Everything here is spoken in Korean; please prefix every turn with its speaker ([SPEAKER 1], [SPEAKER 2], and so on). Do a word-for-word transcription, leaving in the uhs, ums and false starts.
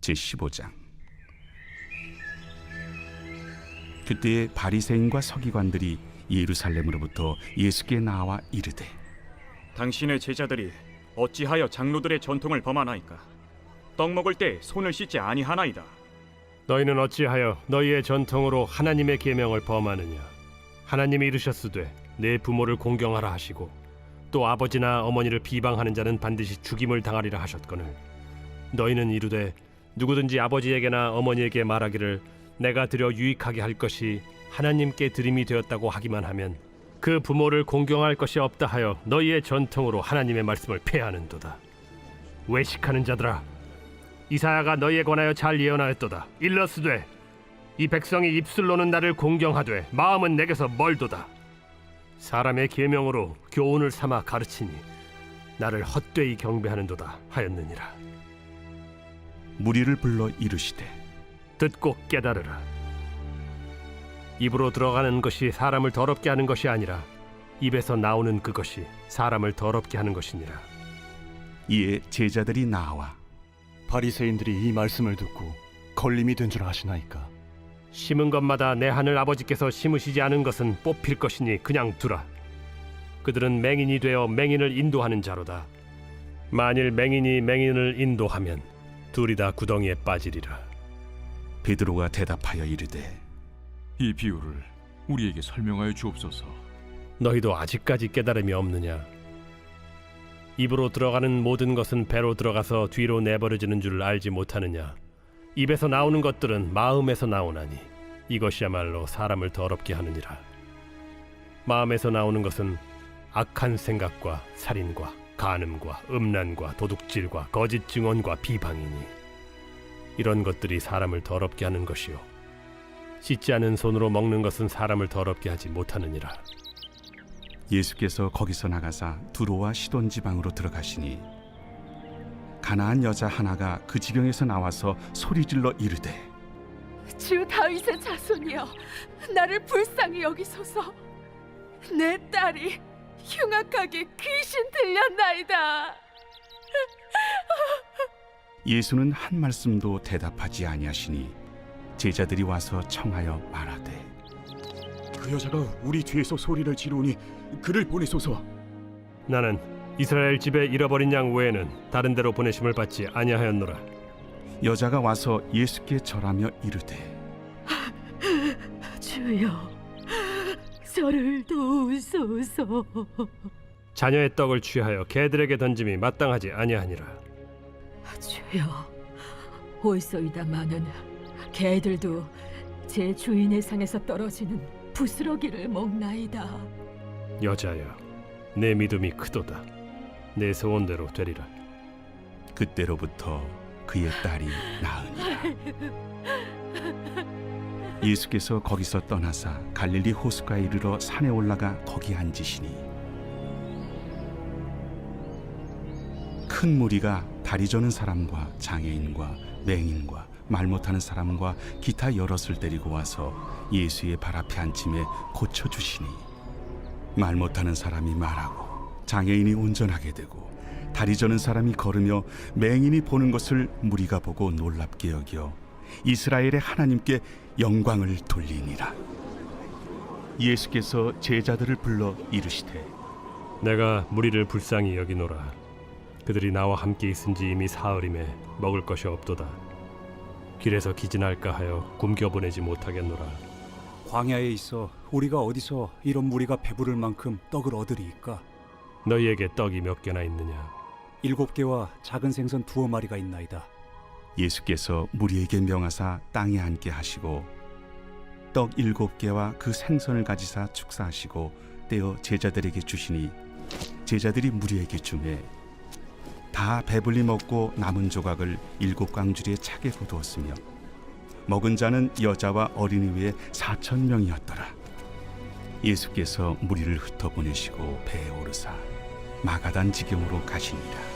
[SPEAKER 1] 제십오 장. 그때에 바리새인과 서기관들이 예루살렘으로부터 예수께 나와 이르되,
[SPEAKER 2] 당신의 제자들이 어찌하여 장로들의 전통을 범하나이까? 떡 먹을 때 손을 씻지 아니하나이다.
[SPEAKER 3] 너희는 어찌하여 너희의 전통으로 하나님의 계명을 범하느냐? 하나님이 이르셨으되 내 부모를 공경하라 하시고 또 아버지나 어머니를 비방하는 자는 반드시 죽임을 당하리라 하셨거늘 너희는 이르되 누구든지 아버지에게나 어머니에게 말하기를 내가 드려 유익하게 할 것이 하나님께 드림이 되었다고 하기만 하면 그 부모를 공경할 것이 없다 하여 너희의 전통으로 하나님의 말씀을 폐하는도다. 외식하는 자들아, 이사야가 너희에 관하여 잘 예언하였도다. 일러스되 이 백성이 입술로는 나를 공경하되 마음은 내게서 멀도다. 사람의 계명으로 교훈을 삼아 가르치니 나를 헛되이 경배하는도다 하였느니라.
[SPEAKER 1] 무리를 불러 이르시되,
[SPEAKER 3] 듣고 깨달으라. 입으로 들어가는 것이 사람을 더럽게 하는 것이 아니라 입에서 나오는 그것이 사람을 더럽게 하는 것이니라.
[SPEAKER 1] 이에 제자들이 나와
[SPEAKER 4] 바리새인들이 이 말씀을 듣고 걸림이 된 줄 아시나이까?
[SPEAKER 3] 심은 것마다 내 하늘 아버지께서 심으시지 않은 것은 뽑힐 것이니 그냥 두라. 그들은 맹인이 되어 맹인을 인도하는 자로다. 만일 맹인이 맹인을 인도하면 둘이 다 구덩이에 빠지리라.
[SPEAKER 1] 베드로가 대답하여 이르되,
[SPEAKER 5] 이 비유를 우리에게 설명하여 주옵소서.
[SPEAKER 3] 너희도 아직까지 깨달음이 없느냐? 입으로 들어가는 모든 것은 배로 들어가서 뒤로 내버려지는 줄 알지 못하느냐? 입에서 나오는 것들은 마음에서 나오나니 이것이야말로 사람을 더럽게 하느니라. 마음에서 나오는 것은 악한 생각과 살인과 간음과 음란과 도둑질과 거짓 증언과 비방이니 이런 것들이 사람을 더럽게 하는 것이요 씻지 않은 손으로 먹는 것은 사람을 더럽게 하지 못하느니라.
[SPEAKER 1] 예수께서 거기서 나가사 두로와 시돈 지방으로 들어가시니 가나안 여자 하나가 그 지경에서 나와서 소리질러 이르되,
[SPEAKER 6] 주 다윗의 자손이여, 나를 불쌍히 여기소서. 내 딸이 흉악하게 귀신 들렸나이다.
[SPEAKER 1] 예수는 한 말씀도 대답하지 아니하시니 제자들이 와서 청하여 말하되,
[SPEAKER 2] 그 여자가 우리 뒤에서 소리를 지르니 그를 보내소서.
[SPEAKER 3] 나는 이스라엘 집에 잃어버린 양 외에는 다른 데로 보내심을 받지 아니하였노라.
[SPEAKER 1] 여자가 와서 예수께 절하며 이르되,
[SPEAKER 6] 주여, 저를 도우소서.
[SPEAKER 3] 자녀의 떡을 취하여 개들에게 던짐이 마땅하지 아니하니라.
[SPEAKER 6] 주여, 올소이다마는 개들도 제 주인의 상에서 떨어지는 부스러기를 먹나이다.
[SPEAKER 3] 여자여, 내 믿음이 크도다. 내 소원대로 되리라.
[SPEAKER 1] 그때로부터 그의 딸이 나으니라. 예수께서 거기서 떠나사 갈릴리 호수가에 이르러 산에 올라가 거기 앉으시니 큰 무리가 다리 저는 사람과 장애인과 맹인과 말 못하는 사람과 기타 여럿을 데리고 와서 예수의 발 앞에 앉힘에 고쳐주시니 말 못하는 사람이 말하고 장애인이 운전하게 되고 다리 저는 사람이 걸으며 맹인이 보는 것을 무리가 보고 놀랍게 여겨 이스라엘의 하나님께 영광을 돌리니라. 예수께서 제자들을 불러 이르시되,
[SPEAKER 3] 내가 무리를 불쌍히 여기노라. 그들이 나와 함께 있은지 이미 사흘임에 먹을 것이 없도다. 길에서 기진할까 하여 굶겨 보내지 못하겠노라.
[SPEAKER 7] 광야에 있어 우리가 어디서 이런 무리가 배부를 만큼 떡을 얻으리이까?
[SPEAKER 3] 너희에게 떡이 몇 개나 있느냐?
[SPEAKER 7] 일곱 개와 작은 생선 두어 마리가 있나이다.
[SPEAKER 1] 예수께서 무리에게 명하사 땅에 앉게 하시고 떡 일곱 개와 그 생선을 가지사 축사하시고 떼어 제자들에게 주시니 제자들이 무리에게 주매 다 배불리 먹고 남은 조각을 일곱 광주리에 차게 거두었으며 먹은 자는 여자와 어린이 외에 사천 명이었더라. 예수께서 무리를 흩어보내시고 배에 오르사 마가단 지경으로 가시니라.